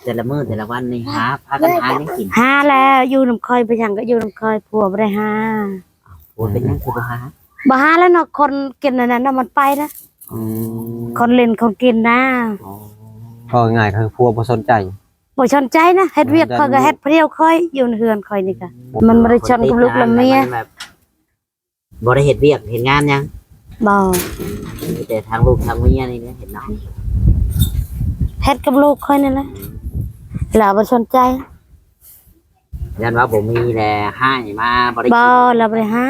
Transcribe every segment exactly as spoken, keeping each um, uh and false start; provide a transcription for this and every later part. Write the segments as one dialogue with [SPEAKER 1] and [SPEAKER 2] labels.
[SPEAKER 1] แต่ละมื้อแต่ละวันนี่หาพากันหายังกิน
[SPEAKER 2] หาแล้วอยู่น้ำคอยไปยังก็อยู่น้ำคอยผัวบ่ได้หา
[SPEAKER 1] โอ้เป็นยังคือบ่หา
[SPEAKER 2] บ่หาแล้วเนาะคนกินอันนั้นน่ะมันไปนะ
[SPEAKER 3] อืม
[SPEAKER 2] คนเล่นคนกินนะ
[SPEAKER 1] อ๋อ
[SPEAKER 3] ก็ง่ายคือพัวบ่สนใจ
[SPEAKER 2] บ่สนใจนะเฮ็ดเวียกคอยก็เฮ็ดเพรียวคอยอยู่ในเฮือนคอยนี่ก็มันบ่ได้ชนกับลูกและเมีย
[SPEAKER 1] นแบบบ่ได้เฮ็ดเวียกเฮ็ดงานยัง
[SPEAKER 2] บ่
[SPEAKER 1] มีแต่ทางลูกทางเมียนี่แหละเห็นเนาะ
[SPEAKER 2] เฮ็ดกับลูกคอยนี่แหละแล้วบ่สนใจ
[SPEAKER 1] ยันว่าบ่มีแลให้มาบ่ได้
[SPEAKER 2] บ่แล้วบ่ได้ให้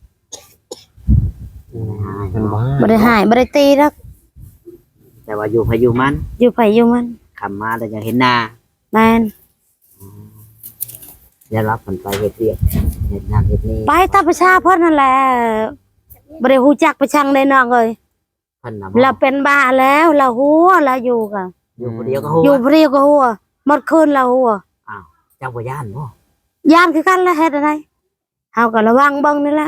[SPEAKER 1] ให้
[SPEAKER 3] เป็นบ้า
[SPEAKER 2] บ่ได้ให้บ่ได้ตีดอก
[SPEAKER 1] แต่ว่าอยู่พายุมัน
[SPEAKER 2] อยู่ไผอยู่มัน
[SPEAKER 1] คำมาแต่ยังเห็นหน้า
[SPEAKER 2] แม่น
[SPEAKER 1] ยันรับมันไปเฮ็ดเวียกเฮ็ดนั่นเฮ็ดนี่
[SPEAKER 2] ไปตามประชาเพิ่นนั่นแหละบ่ได้ฮู้จักประชังได้น้องเอ้ย
[SPEAKER 1] เพิ่นน่ะ
[SPEAKER 2] เราเป็นบ้าแล้วเราหัวเราอยู่กะ
[SPEAKER 1] อยู่คนเดียวก็ฮู้
[SPEAKER 2] อยู่เพรียวก็หัวหมดคืนเราหัว
[SPEAKER 1] อ้าวเจ้าบ่ย่านบ่
[SPEAKER 2] ย่านคือกันแล้วเฮ็ดอะไรเฮาก็ระวังเบิ่งนี่แหละ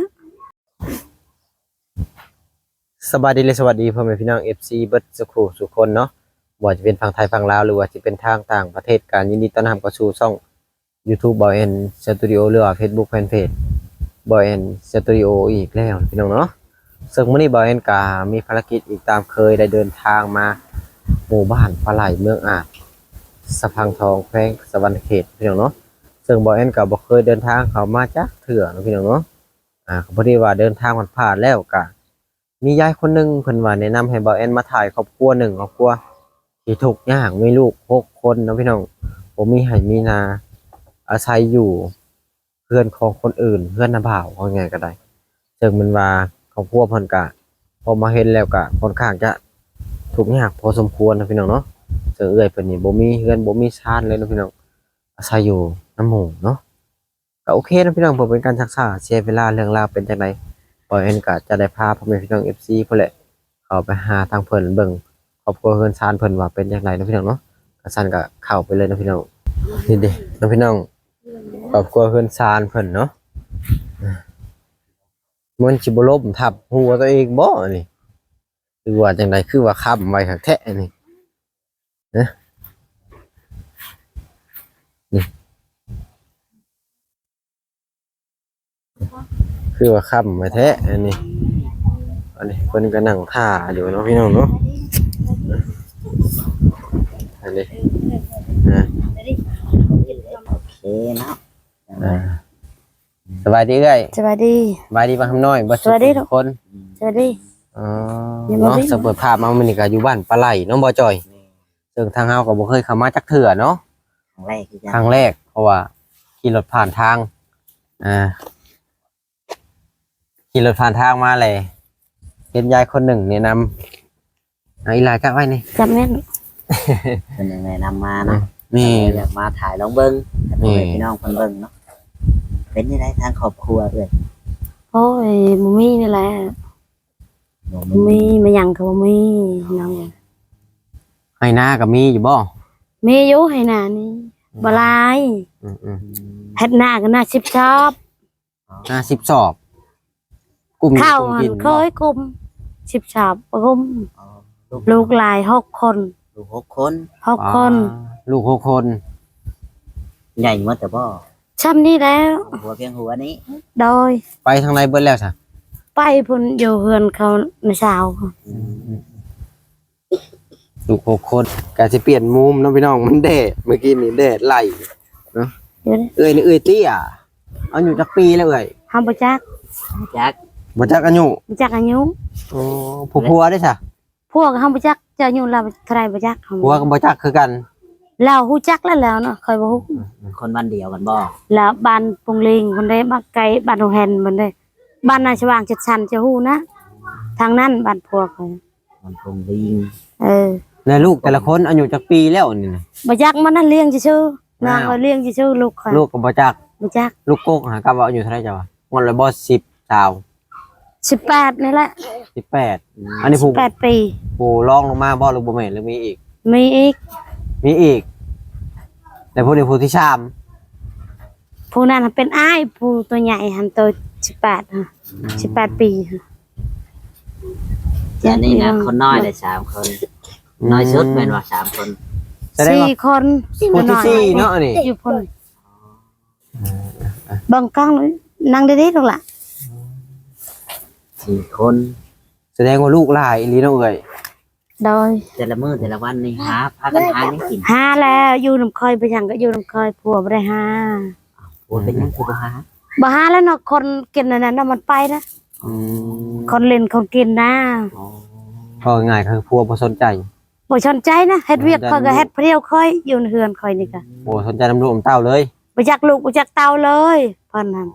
[SPEAKER 3] สบายดีเลยสวัสดีพ่อแม่พี่น้อง เอฟ ซี เบิดสุขุสุขคนเนาะบ่ว่าจะเป็นฝั่งไทยฝั่งลาวหรือว่าจะเป็นทางต่างประเทศการยินดีต้อนรับเข้าสู่ช่อง YouTube บ่าวแอนสตูดิโอหรือว่า Facebook Fanpage บ่าวแอนสตูดิโออีกแล้วพี่น้องเนาะซึ่งมื้อนี้บ่าวแอนก็มีภารกิจอีกตามเคยได้เดินทางมาหมู่บ้านปลาไหลเมืองอาจสะพังทองแขวงสะวรรณเขตพี่น้องเนาะซึ่งบ่าวแอนก็บ่เคยเดินทางเข้ามาจักเทื่อเนาะพี่น้องเนาะอ่าก็พอดีว่าเดินทางผ่านๆแล้วก็มียายคนหนึ่งเพิ่นว่าแนะนำให้บ่าวแอนมาถ่ายครอบครัวหนึ่งครอบครัวที่ทุกข์ยากมีลูกหกคนเนาะพี่น้องบ่มีไร่มีนาอาศัยอยู่เพื่อนของคนอื่นเพื่อนน้าบ่าวว่าไงก็ได้ซึ่งมันว่าครอบครัวเพิ่นก็พอมาเห็นแล้วก็ค่อนข้างจะทุกข์ยากพอสมควรนะพี่น้องเนาะซึ่งเอื้อยเพิ่นนี่บ่มีเฮือนบ่มีชานเลยเนาะพี่น้องอาศัยอยู่น้ำหมู่เนาะก็โอเคนะพี่น้องเพื่อเป็นการศึกษาเสียเวลาเรื่องราวเป็นจังไดบ่าวแอนก็จะได้พาพ่อแม่พี่น้อง เอฟ ซี พุ่นแหละเข้าไปหาทางเพิ่นเบิ่งครอบครัวเฮือนชานเพิ่นว่าเป็นจังไดเนาะพี่น้องเนาะก็ซั่นก็เข้าไปเลยเนาะพี่น้องนี่เด้เนาะพี่น้องครอบครัวเฮือนชานเพิ่นเนาะมันสิบ่ล้มทับหัวตัวเองบ่นี่หรือว่าจังไดคือว่าค้ำไว้คักแท้นี่นะนี่คือว่าค้ำไว้แท้อันนี้อันนี้เพิ่นก็นั่งท่าอยู่เนาะพี่น้องเนาะอันนี้นะ
[SPEAKER 1] โอเคเนาะ
[SPEAKER 3] อ่าสบายดีเอ้ย
[SPEAKER 2] สวัสดี
[SPEAKER 3] สบายดีบ้างคำน้อยบ่
[SPEAKER 2] สวัสดี
[SPEAKER 3] ทุกคน
[SPEAKER 2] สวัสดี
[SPEAKER 3] อ๋อ
[SPEAKER 2] ยังบ่
[SPEAKER 3] เนาะ
[SPEAKER 2] ได้
[SPEAKER 3] สเปิดภาพมามื้อนี้ก็อยู่บ้านปลาไหลเนาะบ่จอยซึ่งทางเฮาก็บ่เคยเข้ามาจักเทื่อเนาะ
[SPEAKER 1] ครั้งแรกคือกัน
[SPEAKER 3] ครั้งแรกเพราะว่าขี่รถผ่านทางอ่าขี่รถผ่านทางมาเลยเห็นยายคนหนึ่งแนะนำเอาอีหลายจักไว้นี่
[SPEAKER 2] จำแม่น
[SPEAKER 1] เป็นยังไงนำมาเนาะ
[SPEAKER 3] นี่
[SPEAKER 1] อยากมาถ่ายลองเบิ่งให้พ่อแม่พี่น้องเพิ่นเบิ่งเนาะเป็นยังไงทางครอบครัวเอ้ย
[SPEAKER 2] โอ้ยบ่มีนี่แหละ
[SPEAKER 1] บ่
[SPEAKER 2] บ่มีมาหยังก็บ่มีน้อง
[SPEAKER 3] ให้หน้าก็มีอยู่บ่
[SPEAKER 2] มีอยู่ให้หน้านี่บ่หลาย
[SPEAKER 3] อืม
[SPEAKER 2] เฮ็ดหน้าก็หน้าสิบชอบ
[SPEAKER 3] ๆห้าสิบสอบกลุ่ม
[SPEAKER 2] ข้าว
[SPEAKER 3] กลุ่ม
[SPEAKER 2] หั
[SPEAKER 3] กิ
[SPEAKER 2] น
[SPEAKER 3] น
[SPEAKER 2] เคยกุมสิบชอบกุม
[SPEAKER 1] อ๋อลูก
[SPEAKER 2] ลูกหลายหกคน
[SPEAKER 1] ลูกหกคน
[SPEAKER 2] หกคน
[SPEAKER 3] อ่าลูกหกคน
[SPEAKER 1] ใหญ่หมดแต่บ่
[SPEAKER 2] ช่ำนี้แล้ว
[SPEAKER 1] หัวเพียงหัวนี้
[SPEAKER 2] โดย
[SPEAKER 3] ไปทางไหนเบิดแล้วซะ
[SPEAKER 2] ไปพุ่นอยู่เฮือนเขาในเช้า
[SPEAKER 3] ลูกหกคนก็สิเปลี่ยนมุมเนาะพี่น้องมันแดดเมื่อกี้นี่แดดไล่เนาะ
[SPEAKER 2] เดี๋ยวนะ
[SPEAKER 3] เอ้ยนี่เอ้ยเตี้ยเอาอยู่จักปีแล้วเอ้ย
[SPEAKER 2] เฮาบ่จัก
[SPEAKER 1] จัก
[SPEAKER 3] บ่จักอายุ
[SPEAKER 2] บ่จักอายุ
[SPEAKER 3] อ๋อผู้ผัวได้ซะ
[SPEAKER 2] พวกเฮาบ่จักจะอายุเราเท่าไหร่บ่จักเฮา
[SPEAKER 3] ผัวก็บ่จักคือกัน
[SPEAKER 2] เราฮู้จักแล้วแล้วเนาะเคยบ่ฮู้
[SPEAKER 1] คนบ้านเดียวกันบ่
[SPEAKER 2] แล้วบ้านปงลิงคนได้บ้านไกลบ้านโฮแฮนมันได้บ้านนาชวางจัดสรรจะฮู้นะทางนั้นบ้านพวกเขา
[SPEAKER 1] มันคงลิง
[SPEAKER 2] เออ
[SPEAKER 3] แล้วลูกแต่ละคนอายุจักปีแล้วนี่นะ
[SPEAKER 2] บ่จักมันนั่นเลี้ยงซื่อๆนาง
[SPEAKER 3] อ้าว
[SPEAKER 2] ก็เลี้ยงซื่อๆลูกเขา
[SPEAKER 3] ลูกก็บ่จัก
[SPEAKER 2] บ่จัก
[SPEAKER 3] ลูกโกกหากับว่าอายุเท่าไหร่จ้ะวะงอนเลยบ่สิบสาว
[SPEAKER 2] สิบแปดนี่แหละ
[SPEAKER 3] สิบแปดอันนี้ผู้
[SPEAKER 2] แปดปี
[SPEAKER 3] ผู้รองลงมาบ่หรือบ่แม่นหรือมีอีก
[SPEAKER 2] มีอีก
[SPEAKER 3] มีอีก แต่ผู้นี้ผู้ที่สาม
[SPEAKER 2] ผู้นั้นเป็นอ้ายผู้ตัวใหญ่หันตัวสิบแปดฮะสิบแปดปีฮะ
[SPEAKER 1] อันนี้นะคนน้อยได้สามคนน้อยสุดแม่นว่าสามคน
[SPEAKER 3] แสดง
[SPEAKER 2] สี่
[SPEAKER 3] ว่า
[SPEAKER 2] คน
[SPEAKER 3] คนที่สี่เนาะนี่
[SPEAKER 2] อยู่คนบางกล้องนั่งได้ๆตรงละ
[SPEAKER 1] สี่คน
[SPEAKER 3] แสดงว่าลูกหลายอีหลีเนาะเอ้ย
[SPEAKER 2] โดย
[SPEAKER 1] แต่ละมื้อแต่ละวันนี่หาพากันหาหยังกิน
[SPEAKER 2] ห้าแล้วอยู่น้ำคอยไปยังก็อยู่น้ำคอยผัวบ่ได้ห้า
[SPEAKER 1] โอ้เป็นหยังคือบ่หา
[SPEAKER 2] บ่ห้าแล้วเนาะคนกินอันนั้นน่ะมันไปนะ
[SPEAKER 3] อืม
[SPEAKER 2] คนเล่นคนกินนะ
[SPEAKER 1] อ๋อ
[SPEAKER 3] พอง่ายคือพัวบ่สนใจ
[SPEAKER 2] บ่สนใจนะเฮ็ดเวียกคอยก็เฮ็ดเพรียวคอยอยู่ในเฮือนคอยนี่ก็
[SPEAKER 3] บ่สนใจน้ำลูกน้ำเต้าเลย
[SPEAKER 2] บ่จักลูกบ่จักเต้าเลยเพิ่นนั่น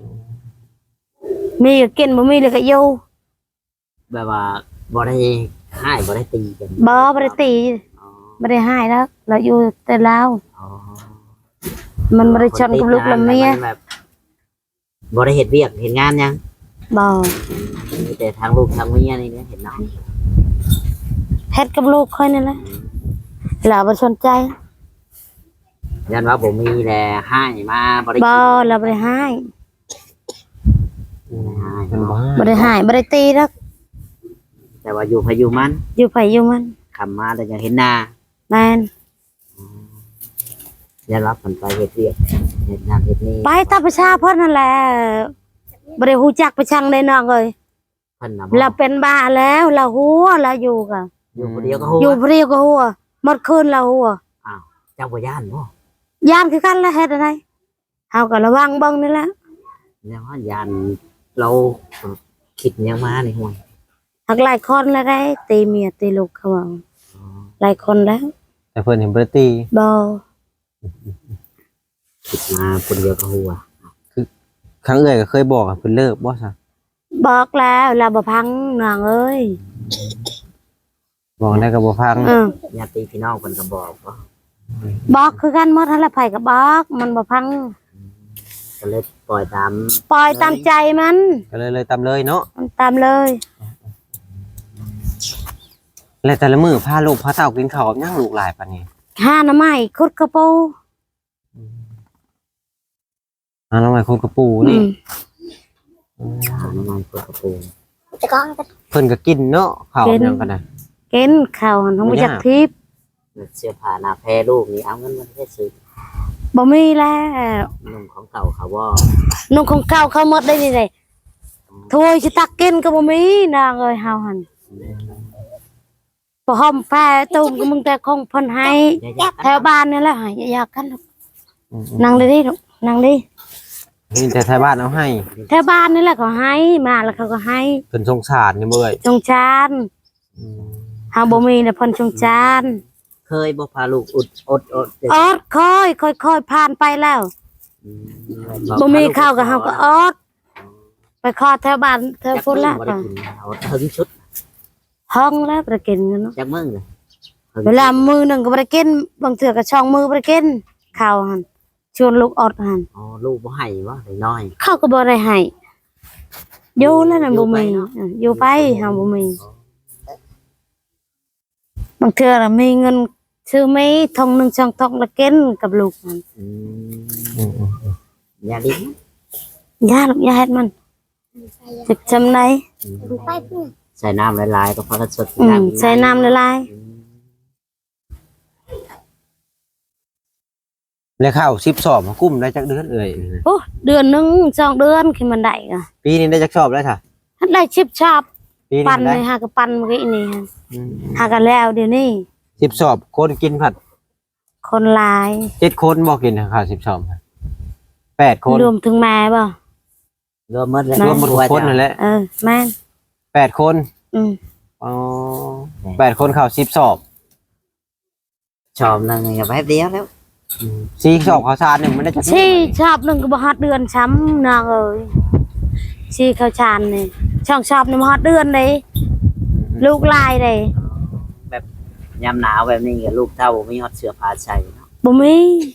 [SPEAKER 2] มีก็กินบ่มีเลยก็อยู่
[SPEAKER 1] แบบว่าบ่ได้ให้บ่ได้ตีกัน
[SPEAKER 2] บ่บ่ได้ตี
[SPEAKER 1] อ๋อ
[SPEAKER 2] บ่ได้ให้แล้วเราอยู่แต่ลาว
[SPEAKER 1] อ๋อ
[SPEAKER 2] มันบ่ได้ชนกับลูกและเมีย
[SPEAKER 1] นแบบบ่ได้เฮ็ดเวียกเฮ็ดงานหยัง
[SPEAKER 2] บ่
[SPEAKER 1] มีแต่ทางลูกทางเมียนี่เนี่ยเห็นเนาะ
[SPEAKER 2] เฮ็ดกับลูกคอยนั่นแหละเราบ่สนใจ
[SPEAKER 1] ยันว่าบ่มีแลให้มาบ่ได้
[SPEAKER 2] บ่
[SPEAKER 1] กิน
[SPEAKER 2] เราบ่ได้ให้
[SPEAKER 1] ให้
[SPEAKER 3] มันบ่
[SPEAKER 2] บ่ได้ให้บ่ได้ตีดอก
[SPEAKER 1] แต่ว่าอยู่พายุมัน
[SPEAKER 2] อยู่ไผอยู่มัน
[SPEAKER 1] คำมาแล้วยังเห็นหน้า
[SPEAKER 2] แม่น
[SPEAKER 1] ยันรับผลไปเฮ็ดเวียกเฮ็ดนั่นเฮ็ดนี่
[SPEAKER 2] ไปตามประชาเพิ่นนั่นแหละบ่ได้ฮู้จักประชังได้น้องเอ้ย
[SPEAKER 1] เพิ่นน่ะ
[SPEAKER 2] เราเป็นบ้าแล้วเราหัวเราอยู่กะ
[SPEAKER 1] อยู่คนเดียวก็ฮู้
[SPEAKER 2] อยู่เพรียวก็หัวหมดคืนเราหัว
[SPEAKER 1] อ้าวเจ้าบ่ย่านบ่
[SPEAKER 2] ย่านคือกันแล้วเฮ็ดอะไรเฮาก็ระวังเบิ่งนี่แหละ
[SPEAKER 1] ยังว่าย่านเราคิดหยังมาในห่วย
[SPEAKER 2] หักหลายคนแล้วได้ตีเมียตีลูกเขาว่า
[SPEAKER 1] อ๋อ
[SPEAKER 2] หลายคนแล้ว
[SPEAKER 3] แต่เพิ่นเห็นบ่ได้ตี
[SPEAKER 2] บ่
[SPEAKER 1] คิดมาคนเดียวก็ฮู้อ่ะ
[SPEAKER 3] ครั้งเอ้ยก็เคยบอกอะเพิ่นเลิกบ่ซะ
[SPEAKER 2] บอกแล้วเราบ่พังน้องเอ้ย
[SPEAKER 3] บอกได้ก็บ่ฟัง
[SPEAKER 2] เออ
[SPEAKER 1] ญาติพี่น้องเพิ่นก็บอกว่า
[SPEAKER 2] บอกคือกันหมดหั่นแหละไผก็บอกมันบ่พัง
[SPEAKER 1] ก็เลยปล่อยตาม
[SPEAKER 2] ปล่อยตามใจมัน
[SPEAKER 3] ก็เลยเลยตามเลยเนาะ
[SPEAKER 2] มันตามเลย
[SPEAKER 3] แล้วแต่ละมื้อพาลูกพาเต้ากินข้าวกับหยังลูกหลายปานนี้
[SPEAKER 2] หาหน่อไม้ขุดกระปู
[SPEAKER 3] อ่าน้องใหม่คนกระปู
[SPEAKER 2] อื
[SPEAKER 3] นี่
[SPEAKER 2] ม
[SPEAKER 1] หาน้ำมันเปิดกระปู
[SPEAKER 3] เพิ่นก็กินเนาะข้าวหยังกันน่ะ
[SPEAKER 2] กินข้าวหั่นเฮาบ่จักทิพย์
[SPEAKER 1] เสื้อผ้าหน้าแพรลูกนี่เอาเงินมาให้ซื้อ
[SPEAKER 2] บ่มีแล้ว
[SPEAKER 1] นุ่มของเก่าเขาว่า
[SPEAKER 2] นุ่งของเก่าเขาหมดได้นี่ได้ถ้วยสิตักกินก็บ่มีนางเอ้ยเฮาหั่นบ่หอมแพ้ตุ้มก็มึงแต่คงเพิ่นให้ แถวบ้านนี่แหละให้อยากกันลูก
[SPEAKER 3] อืม
[SPEAKER 2] นั่งได้ดิลูกนั่งดิ
[SPEAKER 3] ๆนี่แต่ไทยบ้านเอาให้
[SPEAKER 2] แถวบ้านนี่แหละเขาให้มาแล้วเขาก็ให้
[SPEAKER 3] เพิ่นสงสารนี่บ่เอ้ย
[SPEAKER 2] จงจานเฮาบ่มีน่ะเพิ่นจงจาน
[SPEAKER 1] เคยบอกพาลูกอุดอดอด
[SPEAKER 2] ออดคอยค่อยๆผ่านไปแล้วบ่มีข้าวก็เฮาก็ออดไปขอแถวบ้านแถวพุ่นละ
[SPEAKER 1] บ่ได้กินเอาถึงชุด
[SPEAKER 2] ห้องแล้วบ่ได้กินเนาะ
[SPEAKER 1] จากมึงเลย
[SPEAKER 2] เวลามื้อหนึงก็บ่ได้กินบางเทื่อก็ช่องมื้อบ่ได้กินข้าวหั่นชวนลูกออดหั่น
[SPEAKER 1] อ๋อลูกบ่ให้ว่าน้อย
[SPEAKER 2] เขาก็บ่ได้ให้อยู่แล้วน่ะบ่มีเอออยู่ไปเฮาบ่มีบางเทื่อน่ะมีเงินซื้อไม่ทองหนึ่งช่องทองละกินกับลูกมัน
[SPEAKER 1] อืม
[SPEAKER 3] อืม
[SPEAKER 1] ยาดิ
[SPEAKER 2] ยาลูกยาเฮ็ดมันจะจำไหน
[SPEAKER 1] ใส่น้ำหลายๆก็พอสด
[SPEAKER 2] อืมใส่น้ำละลาย
[SPEAKER 3] ๆแล้วข้าวสิบสอบมากุ้มได้จักเดือนเอ้ย
[SPEAKER 2] โอ้เดือนหนึงสองเดือนขึ้นมันได้ก็
[SPEAKER 3] ปีนี้ได้จักสอบแล้วค่ะ
[SPEAKER 2] หัดได้ชิบชอบ
[SPEAKER 3] ปีนี้
[SPEAKER 2] ปั่น
[SPEAKER 3] ได้
[SPEAKER 2] เลยหาก็ปั่นเมื่อกี้นี่ฮะ
[SPEAKER 3] อืม
[SPEAKER 2] หากันแล้วเดี๋ยวนี้
[SPEAKER 3] สิบสอบคนกินผัด
[SPEAKER 2] คนหลาย
[SPEAKER 3] เจ็ดคนบ่กินข้าวสิบสอบแปดคน
[SPEAKER 2] รวมถึงแม่บ่
[SPEAKER 1] รวมหมดเลย
[SPEAKER 3] รวมหมดทุกคนนั่นแหละ
[SPEAKER 2] เออแม่น
[SPEAKER 3] แปดคน
[SPEAKER 2] อืม
[SPEAKER 3] อ๋อแปดคนข้าวสิบสอบ
[SPEAKER 1] ชอบนึงแป๊บเดียวแล้ว
[SPEAKER 3] สี่สอบข้าวสารเนี่ยมันได้จัก
[SPEAKER 2] ชีชอบหนึงก็บ่ฮอดเดือนช้ำนางเอ้ยชีข้าวชานนี่ช่องชอบนี่บ่ฮอดเดือนเลยลูกลายเลย
[SPEAKER 1] แบบยามหนาวแบบนี้กับลูกเต้าบ่มีฮอดเสื้อผ้าใส่เนาะ
[SPEAKER 2] บ่มี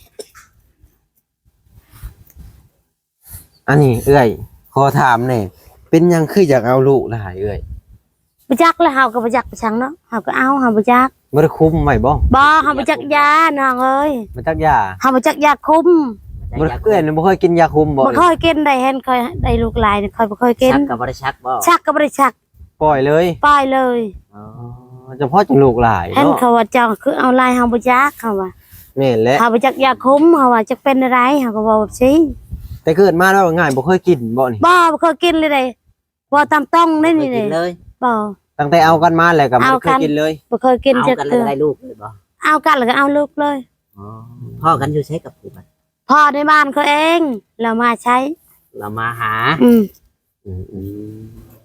[SPEAKER 3] อันนี้เอ้ยขอถามหน่อยเป็นหยังคืออยากเอาลูกหลายเอ้ย
[SPEAKER 2] บ่จักแล้วเฮาก็บ่จักไปชังเนาะเฮาก็เอาเฮาบ่จัก
[SPEAKER 3] บ่ได้คุมไว้บ่
[SPEAKER 2] บ่เฮาบ่จักยาน้องเอ้ย
[SPEAKER 3] บ่จักยา
[SPEAKER 2] เฮาบ่จักยาคุม
[SPEAKER 3] บ่ได้เอ้ยบ่เคยกินยาคุมบ่
[SPEAKER 2] บ่ค่อยกินได้เห็นค่อยได้ลูกหลายนี่ค่อยบ่ค่อยกิน
[SPEAKER 1] ชักก็บ่ได้ชักบ่
[SPEAKER 2] ชักก็บ่ได้ชัก
[SPEAKER 3] ปล่อยเลย
[SPEAKER 2] ปล่อยเลย
[SPEAKER 1] อ๋อ
[SPEAKER 3] เฉพาะจังลูกหลาย
[SPEAKER 2] เห็น
[SPEAKER 3] เนาะ
[SPEAKER 2] เขาว่าเจ้าคือเอาลายเฮาบ่จักเขาว่า
[SPEAKER 3] แม่นแหละ
[SPEAKER 2] เฮาบ่จักยาคุมเฮาว่าจักเป็นอะไรเฮาก็บอกสิ
[SPEAKER 3] แต่เกิดมาแล้วง่ายบ่เคยกินบ่นี่
[SPEAKER 2] บ่บ่เคยกินเลยเด้บ่ตามต้องได้นี่
[SPEAKER 1] กิ
[SPEAKER 2] เด้
[SPEAKER 1] นเลย
[SPEAKER 2] บ่
[SPEAKER 3] ตั้งแต่เอากันมาแล้วก็บ่
[SPEAKER 2] เอา
[SPEAKER 3] เค
[SPEAKER 2] กั
[SPEAKER 3] ย
[SPEAKER 2] น
[SPEAKER 3] กินเลย
[SPEAKER 2] บ่เคยกิน
[SPEAKER 1] เอา
[SPEAKER 2] จัก
[SPEAKER 1] กันเล
[SPEAKER 2] เทื่
[SPEAKER 1] ย
[SPEAKER 2] อ
[SPEAKER 1] ได้ลูกเลยบ่
[SPEAKER 2] เอากันแล้วก็เอาลูกเลย
[SPEAKER 1] อ๋อพ่อกันอยู่ใช้กับผู้บัด
[SPEAKER 2] พ่อในบ้านเขาเองเรามาใช้
[SPEAKER 1] เรามาหา
[SPEAKER 2] อืม
[SPEAKER 3] อืม
[SPEAKER 1] อืม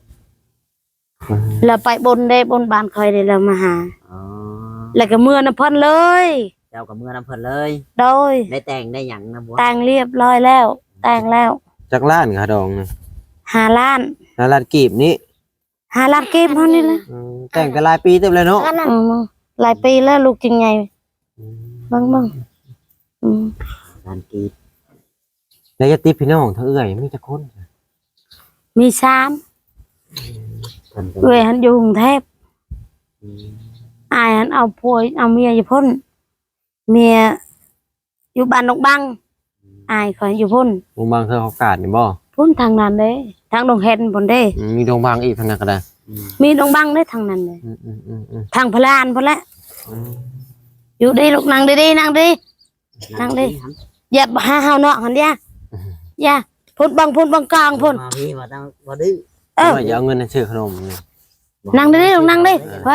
[SPEAKER 2] เราไปบนได้บนบ้านคอยได้เรามาหา
[SPEAKER 1] อ๋อ
[SPEAKER 2] แล้วก็เมื่อน้ำเพ่นเลย
[SPEAKER 1] เจ้ากับเมื่อน้ำเพิ่นเลย
[SPEAKER 2] โดย
[SPEAKER 1] ได้แต่งได้หยังนะบัว
[SPEAKER 2] แต่งเรียบร้อยแล้ว แต่งแล้ว
[SPEAKER 3] จักล้านค่ะดองนี่
[SPEAKER 2] หาล้าน
[SPEAKER 3] แล้วล้านกีบนี้
[SPEAKER 2] หาล้านเก็บเท่านี้แหละ
[SPEAKER 3] อืมแต่งกันหลายปีเต็มเลยเนาะ
[SPEAKER 2] อืมหลายปีแล้วลูกจริงไงบ้างบ้างอืม
[SPEAKER 1] การกรีด
[SPEAKER 3] แล้วจะติดพี่น้องเธอเอื้อยมีจักคน
[SPEAKER 2] มีสาม
[SPEAKER 1] เพิ่นก็
[SPEAKER 2] เวยหันอยู่กรุงเทพ
[SPEAKER 1] อืม
[SPEAKER 2] อายหันเอาผัวเอาเมียอยู่พ้นเมียอยู่บ้านนกบังอายคอยอยู่พ้น
[SPEAKER 3] วงบางเคยเขากาดนี่บ่
[SPEAKER 2] พ้นทางนั้นเด้ทางดงเห็นพ้นเด้
[SPEAKER 3] อืมมีดงบางอีกทางนั้นก็ได้
[SPEAKER 1] อืม
[SPEAKER 2] มีดงบังได้ทางนั้นเลย
[SPEAKER 3] อืมอืมอืมอืม
[SPEAKER 2] ทางพลานพอละ
[SPEAKER 3] อืม
[SPEAKER 2] อยู่ดีลูกนั่งดีๆนั่งดี นั่งดิ
[SPEAKER 1] ครับ
[SPEAKER 2] อย่าหาเฮาเนาะหันอย่าอย่าพุ่นบังพุ่นบังกลางพุ่น
[SPEAKER 1] มาพี่มาต้องมาดื้อ
[SPEAKER 2] เออ
[SPEAKER 3] ว่าอย่าเอาเงินให้ซื้อขนมนี่
[SPEAKER 2] นั่งดิลูกนั่งดิไว้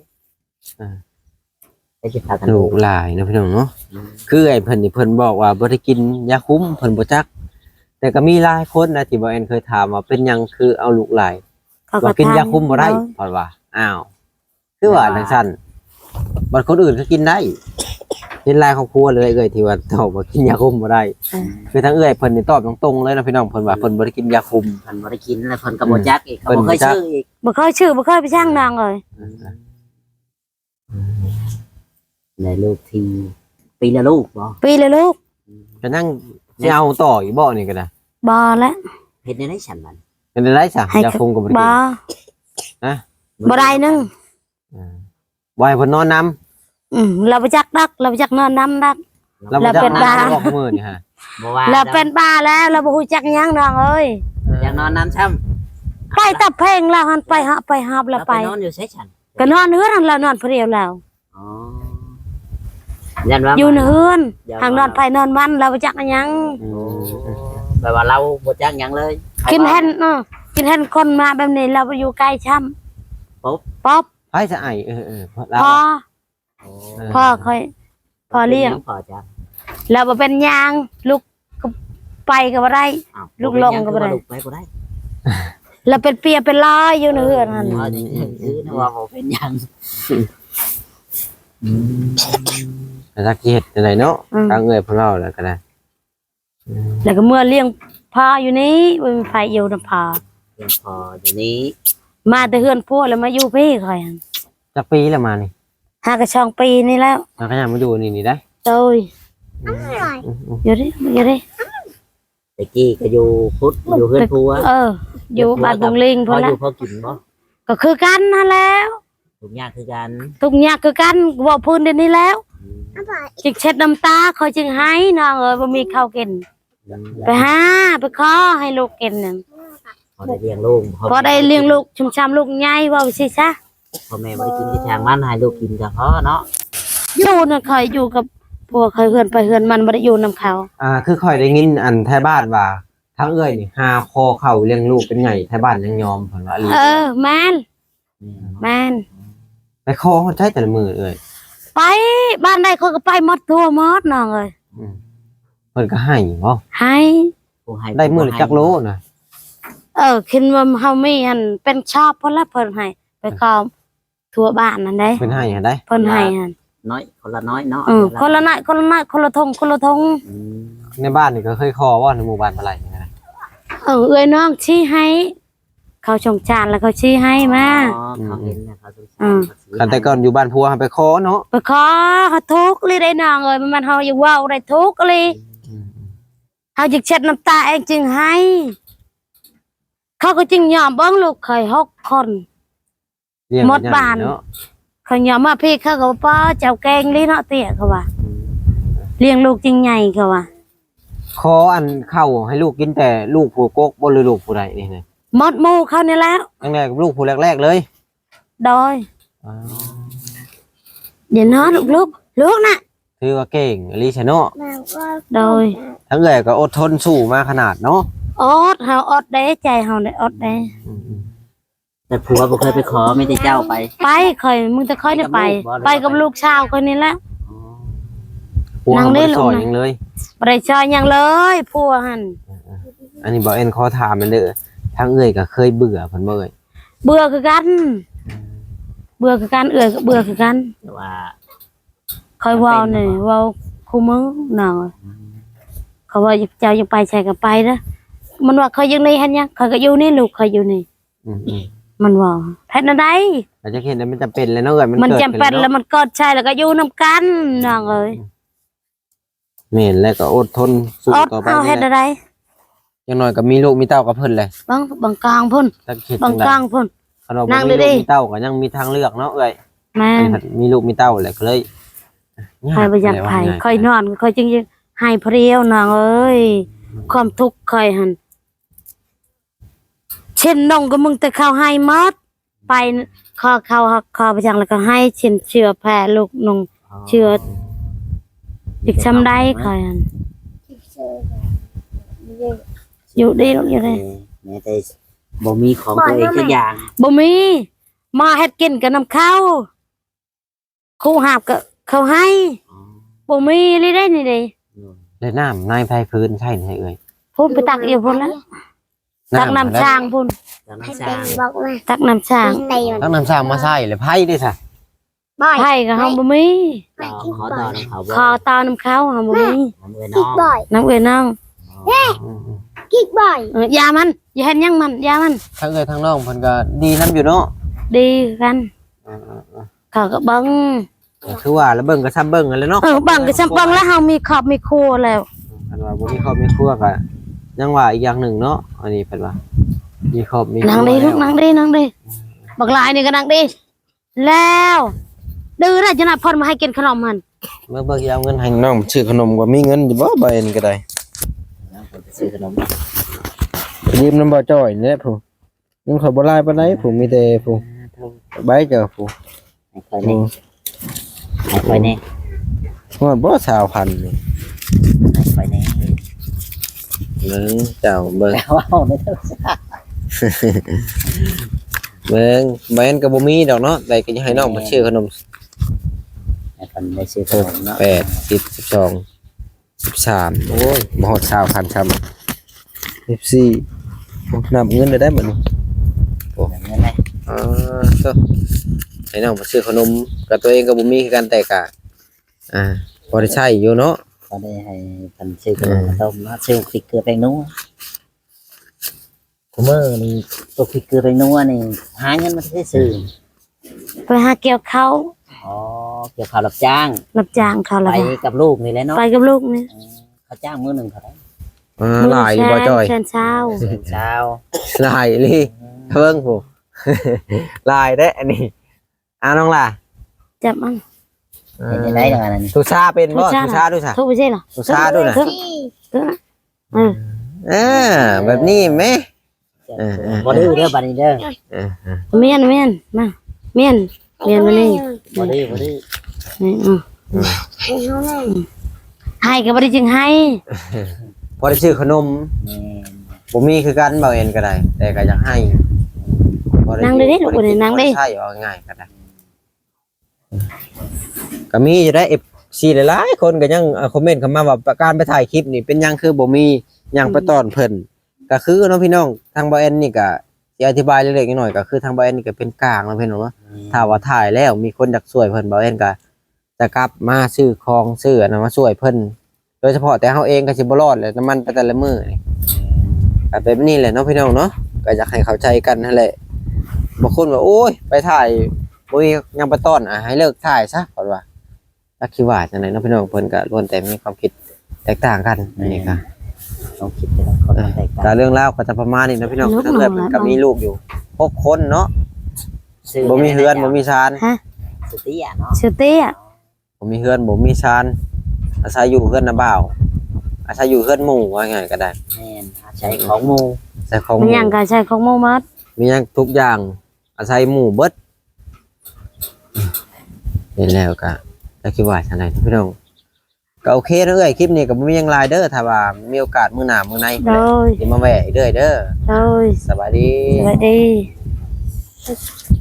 [SPEAKER 1] ไปกินข้าวกัน
[SPEAKER 3] ลูกหลายนะพี่น้องเนาะคือไอ้เพิ่นนี่เพิ่นบอกว่าบ่ได้กินยาคุ้มเพิ่นบ่จัก แต่ก็มีหลายคนนะที่บ่แอนเคยถามว่าเป็นหยังคือเอาลูกหลาย
[SPEAKER 2] เขาก็
[SPEAKER 3] ว่ากินยาคุมบ่ได้
[SPEAKER 2] เออ
[SPEAKER 3] เพราะว่าอ้าวคือว่าจังซั่นบัดคนอื่นก็กินได้เห็นหลายครอบครัวเลยเอ้ยที่ว่าตอบว่ากินยาคุมบ่ได้
[SPEAKER 2] เออ
[SPEAKER 3] คือทั้งเอ้ยเพิ่นนี่ตอบตรงๆเลยนะพี่น้องเพิ่นว่าเพิ่นบ่ได้กินยาคุม
[SPEAKER 1] เพิ่นบ่ได้กินแล้วเพิ่นก็บ่จักอีกเขา
[SPEAKER 3] เพิ่น
[SPEAKER 1] บ่
[SPEAKER 3] บ่
[SPEAKER 1] เคย
[SPEAKER 3] จัก
[SPEAKER 1] ซื้ออีก
[SPEAKER 2] บ่เคยชื่อบ่เคยไปช่างนางเลย
[SPEAKER 1] ได้ลูกทีปีละลูกบ่
[SPEAKER 2] ปีเลยลูก
[SPEAKER 3] ก็นั่งสิเอาต่ออีกบ่นี่ก็ได้
[SPEAKER 2] บ่แล้ว
[SPEAKER 1] เฮ็ดได้ได้ฉันมัน
[SPEAKER 3] เป็นได้ซะ
[SPEAKER 2] ให้
[SPEAKER 3] ยาคุมก็บ่ได้
[SPEAKER 2] บ่
[SPEAKER 3] กิน
[SPEAKER 2] บ่ได้นึง
[SPEAKER 3] อ่าบ่ให้เพิ่นนอนนํ
[SPEAKER 2] อืมเราไปจักดักเราไปจักนอนน้ำดัก
[SPEAKER 3] แล้วบ่
[SPEAKER 2] แล้ว
[SPEAKER 3] จัก
[SPEAKER 2] เป็น
[SPEAKER 3] น
[SPEAKER 2] บ้า
[SPEAKER 3] อนบอกมื้อนี่ฮะ
[SPEAKER 1] บ่ว่า
[SPEAKER 2] เราเป็นบ้าแล้วเราบ่ฮู้จักหยังนางเอ้ย
[SPEAKER 1] อยากนอนน้ำช้ำ
[SPEAKER 2] ไปตับเพลงแล้วหันไปหาไปหาบแล้ว
[SPEAKER 1] เรา
[SPEAKER 2] ไป
[SPEAKER 1] ไปนอนอยู่ใช้ฉัน
[SPEAKER 2] ก็นอนเฮือนหันแล้วนอนผู้เดียวแล้ว
[SPEAKER 1] อ๋อยันว่า
[SPEAKER 2] อยู่ในเฮือน
[SPEAKER 1] อย่า
[SPEAKER 2] ทางนอนไปนอนมันเราไปจักหยัง
[SPEAKER 3] อื
[SPEAKER 1] โอ้
[SPEAKER 3] ม
[SPEAKER 1] แปลว่าเราบ่จักหยังเลย
[SPEAKER 2] กินเห็นเออกินเห็นคนมาแบบนี้เราไปอยู่ใกล้ช้ำ
[SPEAKER 1] ปุ๊บ
[SPEAKER 2] ป๊อบ
[SPEAKER 3] ไผจะไอเออเออเพราะเรา
[SPEAKER 2] พอ
[SPEAKER 1] โอ้
[SPEAKER 2] พ่อค่อยพ่อเลี้ยง
[SPEAKER 1] พอจัก
[SPEAKER 2] เราบ่เป็นหยางลูกก็ไปก็บ่ได้
[SPEAKER 1] อ้าว
[SPEAKER 2] ลูกลงก็บ่ได้
[SPEAKER 1] ลูกไปก็ได้
[SPEAKER 2] เราเป็นเปียเป็นลอยอยู่ในเฮือนนั่น
[SPEAKER 1] อ๋อจริงๆคือนะว่าบ่เป็นหยังอืม
[SPEAKER 3] แต่ถ้าเฮ็ดจังไดเนาะทางเอ้ยเพิ่นเล่าแล้วก็ได้
[SPEAKER 2] แล้วก็เมื่อเลี้ยงพ่ออยู่นี้บ่มีไฟอยู่นำพ่อ
[SPEAKER 1] เพียงพออยู่นี้
[SPEAKER 2] มาแต่เฮือนพวกแล้วมาอยู่พี่ค่อยหั่น
[SPEAKER 3] จักปีแล้วมานี่
[SPEAKER 2] หากระช่องปีนี่แล้ว
[SPEAKER 3] มันก็ยังมาอยู่นี่นี่ได้
[SPEAKER 2] โตย
[SPEAKER 3] อืมอืม
[SPEAKER 2] อยู่ดิอยู่ดิ
[SPEAKER 1] ตะกี้ก็อยู่พุทธอยู่เพื่อนผัว
[SPEAKER 2] เออ อยู่บ้านบงลิง
[SPEAKER 1] พ
[SPEAKER 2] พุ่
[SPEAKER 1] อน อ
[SPEAKER 2] ละ
[SPEAKER 1] ยู่พอกินบ่
[SPEAKER 2] ก็คือกันนั่นแล้ว
[SPEAKER 1] ทุกอย่างคือกัน
[SPEAKER 2] ทุกอย่างคือกันบอกพื้นเดี๋ยวนี้แล้ว
[SPEAKER 1] อืม
[SPEAKER 2] จึงเช็ดน้ำตาคอยจึงให้น้องเอ้ยบ่มีข้าวกินไปหาไปขอให้ลูกกินนั่น
[SPEAKER 1] พอได้เลี้ยงลูก
[SPEAKER 2] พอได้เลี้ยงลูกชุมชำลูกใหญ่ว่าไปสิซะ
[SPEAKER 1] พ่อแม่บ่ได้กินที่ทางมันให้ลูกกินก็พอเนาะ
[SPEAKER 2] อยู่น่ะคอยอยู่กับพวกเคยเฮือนไปเฮือนมันบ่ได้อยู่นํเขา
[SPEAKER 3] อ่าคือค่อยได้ยินอันแท้บ้านว่าทั้งเอ้ยนี่หาคอเข้าเลี้ยงลูกเป็นไงแท้บ้านยังยอมเพิ่นว่าอีหลี
[SPEAKER 2] เออแม่นแม่น
[SPEAKER 3] ไปคอเขาใช้แต่ละมือเอ้ย
[SPEAKER 2] ไปบ้านใดเขาก็ไปหมดทั่วหมดน้องเอ้ย
[SPEAKER 3] อืมเพิ่นก็ให้บ่
[SPEAKER 2] ให้
[SPEAKER 1] ผู้ให้
[SPEAKER 3] ได้มือละจักโลนะ
[SPEAKER 2] เออคิดว่าเฮามีอันเป็นชอบเพิ่นละเพิ่นให้ไปขอทั่วบ้านนั่นเด้
[SPEAKER 3] เพิ่นให้ให้ได้
[SPEAKER 2] เพิ่นให้หั่น
[SPEAKER 1] น้อยคนละน้อยเนาะ
[SPEAKER 2] เออคนละน้อยคนละน้อยคนละทงคนละทง
[SPEAKER 1] อืม
[SPEAKER 3] ในบ้านนี่ก็เคยคอว่าในหมู่บ้านเท่าไหร่นี่นะ
[SPEAKER 2] เออเอ้ยน้องชี้ให้ เขาชงจานแล้วเขาชี้ให้มา
[SPEAKER 1] อ๋อเขาเห็นนะเขาสงสาร
[SPEAKER 2] อืม
[SPEAKER 1] เขาซื้อ
[SPEAKER 3] กันแต่ก่อนอยู่บ้านพัวไปคอเนาะ
[SPEAKER 2] ไปขอเขาทุกข์เลยได้น้องเอ้ยมันเฮาอย่าเว้าได้ทุกข์เลย
[SPEAKER 3] อืม
[SPEAKER 2] เฮาจึงเช็ดน้ำตาเองจึงให้ เขาก็จึงยอมเบิ่งลูกเคยหกคน
[SPEAKER 3] เลี้ยง
[SPEAKER 2] หมดบ้าน
[SPEAKER 3] เนาะ
[SPEAKER 2] เขายอมมาพี่เขาก็บ่ป้อเจ้าแกงลีเนาะเตี้ยเขาว่าเลี้ยงลูกจริงใหญ่เขาว่า
[SPEAKER 3] คออันเข้าให้ลูกกินแต่ลูกผู้กกบ่หรือลูกผู้ใดนี่นะ
[SPEAKER 2] หมดหมู่เขานี่แล้ว
[SPEAKER 3] ตั้งแต่ลูกผู้แรกๆเลย
[SPEAKER 2] โดย
[SPEAKER 3] อ๋อ
[SPEAKER 2] อย่านอนลูกลูกลูกน่ะ
[SPEAKER 3] ถือว่าเก่งอลิชเนาะ
[SPEAKER 2] โดย
[SPEAKER 3] ทั้งเอ่ยก็อดทนสู้มาขนาดเนาะ
[SPEAKER 2] อดเฮาอดได้ใจเฮาได้อดได้
[SPEAKER 1] แต่ผัวบ่เคยไปขอไม่ได้เจ้าไป
[SPEAKER 2] ไปค่อยมึงจะค่อยได้ไป ไปกับลูกชาวคนนี้แหละ
[SPEAKER 3] พวก
[SPEAKER 2] นั่ง
[SPEAKER 3] เขา
[SPEAKER 2] ได้
[SPEAKER 3] บ่ได้
[SPEAKER 2] ลู
[SPEAKER 3] ส
[SPEAKER 2] ก
[SPEAKER 3] อน
[SPEAKER 2] นะ
[SPEAKER 3] หยังเลย
[SPEAKER 2] บ่ได้ชอยหยังเลยผัวหั่น
[SPEAKER 3] อันนี้บ่เอ็นขอถามมันเด้อทั้งเอ่ยก็เคยเบื่อเพิ่นบ่เอ่ย
[SPEAKER 2] เบื่อคือกัน เบื่อคือกันเอื้อยก็เบื่อคือกัน
[SPEAKER 1] แต่ว่า
[SPEAKER 2] ค่อยเว้านี่เว้าคู่มือหน่อยเขาว่าเจ้ายังไปใช่ก็ไปเด้อมันว่าเขายังนี่หั่นยังเขาก็อยู่นี่ลูกเขาอยู่นี่
[SPEAKER 3] อืม
[SPEAKER 2] มันว่าเฮ็ดจังได๋
[SPEAKER 3] ๆเราจะเห็นว่ามันจำเป็นแล้วเนาะเอ่ยมัน
[SPEAKER 2] มัน
[SPEAKER 3] เกิด
[SPEAKER 2] จำเป็น
[SPEAKER 3] ขึ้
[SPEAKER 2] แล้ว
[SPEAKER 3] เนาะ
[SPEAKER 2] มันกดใช่แล้วก็อยู่นํกันน้องเอ้ย
[SPEAKER 3] แม่นแล้วก็อดทนสู้
[SPEAKER 2] อด
[SPEAKER 3] ต่อไป
[SPEAKER 2] เอาเฮ็ด
[SPEAKER 3] นี่
[SPEAKER 2] อะ
[SPEAKER 3] แหละ
[SPEAKER 2] ไร
[SPEAKER 3] อย่างน้อยก็มีลูกมีเต้ากับเพิ่นเลย
[SPEAKER 2] บางบางกลางพุ่น
[SPEAKER 3] ถ้าคิด
[SPEAKER 2] บา
[SPEAKER 3] จั
[SPEAKER 2] ง
[SPEAKER 3] งได๋
[SPEAKER 2] กลางพุ่น
[SPEAKER 3] คันว่า
[SPEAKER 2] นั่
[SPEAKER 3] บ่
[SPEAKER 2] ง
[SPEAKER 3] มี
[SPEAKER 2] ดี
[SPEAKER 3] ลูก
[SPEAKER 2] ๆ
[SPEAKER 3] มีเต้าก็ยังมีทางเลือกเนาะเอ่ย
[SPEAKER 2] แม่
[SPEAKER 3] อันนี้มีลูกมีเต้าแหละก็เลย
[SPEAKER 2] ใครบ่อยากไผค่อยนอนค่อยจึงให้เพรียวน้องเอ้ยความทุกข์ค่อยหั่นเช่นน้องก็มึงแต่เข้าให้หมดไปขอเข้าขอไปจังแล้วก็ให้เช่นเชื่อแพ้ลูกน้อง เชื่อ อีกซำได้ค่อยหั่นอยู่ดีลูกอยู่
[SPEAKER 1] เอ
[SPEAKER 2] ได้
[SPEAKER 1] อแม้แต่บ่มีของตัวเองสักอย่าง
[SPEAKER 2] บ่มีมาเฮ็ดกินกับน้ำข้าวครูหาบก็เขาให้บ่มีเลยได้นี่เด้
[SPEAKER 3] เลยน้ำนายไผพื้นใช่ไหมเอ่ย
[SPEAKER 2] พุ่นไปตักอยู่พุ่นแล้วตักน้ำช้างพุ่น
[SPEAKER 1] จากน้ำสร้าง
[SPEAKER 2] ตักน้ำช้าง
[SPEAKER 3] ตักน้ำสร้างมาใส่เลยไผด้วยซะ
[SPEAKER 2] ไผก็เฮาบ่มี
[SPEAKER 1] ต่อขอต่อน้ำเขาบ่
[SPEAKER 2] ขอตาน้ำข้าวเฮาบ่มี
[SPEAKER 1] น้ำเอ้ยน้อง
[SPEAKER 2] น้ำเอ้ยน้อง
[SPEAKER 3] อืม
[SPEAKER 2] เอออย่ามันอย่าเฮ็ดหยังมันอย่ามัน
[SPEAKER 3] ๆทั้งเอ่ยทั้งน้องเพิ่นก็ดีนํอยู่เนาะ
[SPEAKER 2] ดีกัน
[SPEAKER 3] อืม
[SPEAKER 2] เขาก็เบิ่ง
[SPEAKER 3] ๆก็คือว่าแล้วเบิ่งก็ซ้ำเบิ่งกันแหล้วเนาะ
[SPEAKER 2] เออเบิ่งก็ซำเบิ่งแล้วเฮามีครอบมีครัวแล้ว
[SPEAKER 3] อันว่าบ่มีครอบมีครัวก็ยังว่าอีกอย่างหนึ่งเนาะอันนี้เพิ่นว่ามีครอบมีครัว
[SPEAKER 2] นั่งดีลูกนั่งดีนั่งดีบักหลายนี่ก็นั่งดีแล้วดื้อน่ะจะน่ะพ่นมาให้กินขนมมัน
[SPEAKER 3] เมื่อเบิ่งสิเอาเงินให้น้องซื้อขนมก็มีเงินอยู่บ่ใบนี้ก็ได้
[SPEAKER 1] น้องเพิ่นไปซื้อขนม
[SPEAKER 3] ยืมน้ำบ่จ้อยนี่แหละผู้เงินข่อยบ่หลายปานใดผู้มีแต่ผู้ใบเจ้าผู้
[SPEAKER 1] ให้ค่อยนี่ให้ค่อยนี่
[SPEAKER 3] ฮอดบ่สาวพันนี่
[SPEAKER 1] ให้ค่อยนี่
[SPEAKER 3] เบิ่งเจ้าเบิ่ง
[SPEAKER 1] แต่ว่าเอาได้เท่าซะ
[SPEAKER 3] เบิ่งแม่นก็บ่มีดอกเนาะแต่ก็ยังให้น้องมาซื้อขนม
[SPEAKER 1] ให้เพิ่นได้ซื้อขนมเนาะ
[SPEAKER 3] แปด สิบ สิบสอง สิบสามโอ้ยบ่ฮอดสาวพันซ้ำสิบสี่โอ้นับเงินได้ได้บัดนี้
[SPEAKER 1] โอ้แบบนั้นเลย
[SPEAKER 3] อ๋อก็ให้น้องมาซื้อขนมกับตัวเองก็บ่มีคือกันแต่ก็อ่าพอได้ใช้อยู่เนาะ
[SPEAKER 1] ก็ได้ให้เพิ่นซื้อขนมมาต้มเนาะซื้อพริกเกลือแป้งนัวคุมื้อนี่ตัวพริกเกลือแป้งนัวนี่หาเงินมาได้ซื้อ
[SPEAKER 2] ไปหาเกี่ยวเขา
[SPEAKER 1] อ๋อเกี่ยวข้าวรับจ้าง
[SPEAKER 2] รับจ้างเขา
[SPEAKER 1] ไป
[SPEAKER 2] แล้ว
[SPEAKER 1] กับลูกนี่แหละเนาะ
[SPEAKER 2] ไปกับลูกนี่
[SPEAKER 1] อืมเขาจ้างมื้อหนึงเท่าไหร่
[SPEAKER 3] อ่าหลายอยู่บ่จ้อย
[SPEAKER 2] แสนเช้า
[SPEAKER 1] เช้า
[SPEAKER 3] หลายอีหลีเบิ่งผู้ หลายเด้อันนี้อ่าน้องล่ะ
[SPEAKER 2] จับมัน
[SPEAKER 1] เป็นจังได๋จังนั้น
[SPEAKER 3] ทุชาเป็นบ่
[SPEAKER 2] ทุชา
[SPEAKER 3] ทุชาด้วยซะ
[SPEAKER 2] ทุกไม่ใช่เหรอ
[SPEAKER 3] ทุชาด้วยน่ะ
[SPEAKER 2] ทุกทุกนะเออ
[SPEAKER 3] อ่าแบบนี้แหม เออ
[SPEAKER 1] บ่ดื้อเด้อบัดนี้เด้อ
[SPEAKER 3] เออ
[SPEAKER 2] เมียนเมียนมาเมียนเมียนมานี่
[SPEAKER 1] บ่ดื้อบ่ดื้อ
[SPEAKER 2] นี่อืมให้ก็บ่ได้จึงให้
[SPEAKER 3] พอได้ซื้อขนม
[SPEAKER 1] แม่น
[SPEAKER 3] บ่มีคือกันบ่เอ็นก็ได้ แต่ก็อยากให้บ่
[SPEAKER 2] นั่งได้ดิลูกบ่ได้นั่งได้
[SPEAKER 3] ใช่เอาง่ายๆก็ได้ก็มีอยู่ได้ เอฟ ซี หลายๆคนก็ยังอ่าคอมเมนต์เข้ามาว่าการไปถ่ายคลิปนี่เป็นหยังคือบ่มีหยังไปต้อนเพิ่นก็คือเนาะพี่น้องทางบ่เอ็นนี่ก็สิอธิบายเล็กๆน้อยๆก็คือทางบ่เอ็นนี่ก็เป็นกลางเนาะพี่น้องเนาะ ถ้าว่าถ่ายแล้วมีคนอยากช่วยเพิ่นบ่เอ็นก็จะกลับมาซื้อของซื้ออันนั้นมาช่วยเพิ่นโดยเฉพาะแต่เฮาเองก็สิบ่รอดเลยน้ำมันไปแต่ละมื้อนี่ก็เป็นแบบนี้แหละเนาะพี่น้องเนาะก็อยากให้เข้าใจกันนั่นแหละบางคนว่าโอ้ยไปถ่ายบ่มีหยังไปต้อนอ่ะให้เลิกถ่ายซะเพิ่นว่าจักคิดว่าจังได๋เนาะพี่น้องเพิ่นก็ล้วนแต่มีความคิดแตกต่างกันนี่ก็
[SPEAKER 1] ต้องคิดแต่ละคนมันแตก
[SPEAKER 3] ก็
[SPEAKER 1] ต่าง
[SPEAKER 3] เรื่องราวก็จะประมาณนี้เนาะพี่น้องทั้งเกิดเพิ่นก็มีลูกอยู่หกคนเนาะ
[SPEAKER 1] ซื้อ
[SPEAKER 3] บ่มีเฮือนบ่มีชาน
[SPEAKER 2] ฮะ
[SPEAKER 1] สุติอ่ะเนาะ
[SPEAKER 2] ชื่อเตี้ย
[SPEAKER 3] ผมมีเฮือนผมมีชานอาศัยอยู่เฮือนน้าบ่าวอาศัยอยู่เฮือนหมู่ว่าไงก็ได้
[SPEAKER 1] แม่นใช้ของหมู่
[SPEAKER 3] ใส่ของห
[SPEAKER 2] มัน
[SPEAKER 3] มู่
[SPEAKER 2] หยังก็ใช้ของหมู่หมด
[SPEAKER 3] มีหยังทุกอย่างอาศัยหมู่เบิดเห็นแล้วก็ก็คิดว่าจังได๋พี่น้องก็โอเคเด้อเอ้ยคลิปนี้ก็บ่มีหยังหลายเด้อถ้าว่ามีโอกาสมื้อหน้ามื้อใน
[SPEAKER 2] โดย
[SPEAKER 3] สิมาแวะอีกเด้อเด้อ
[SPEAKER 2] โดย
[SPEAKER 3] สวัสดี
[SPEAKER 2] สวัสดี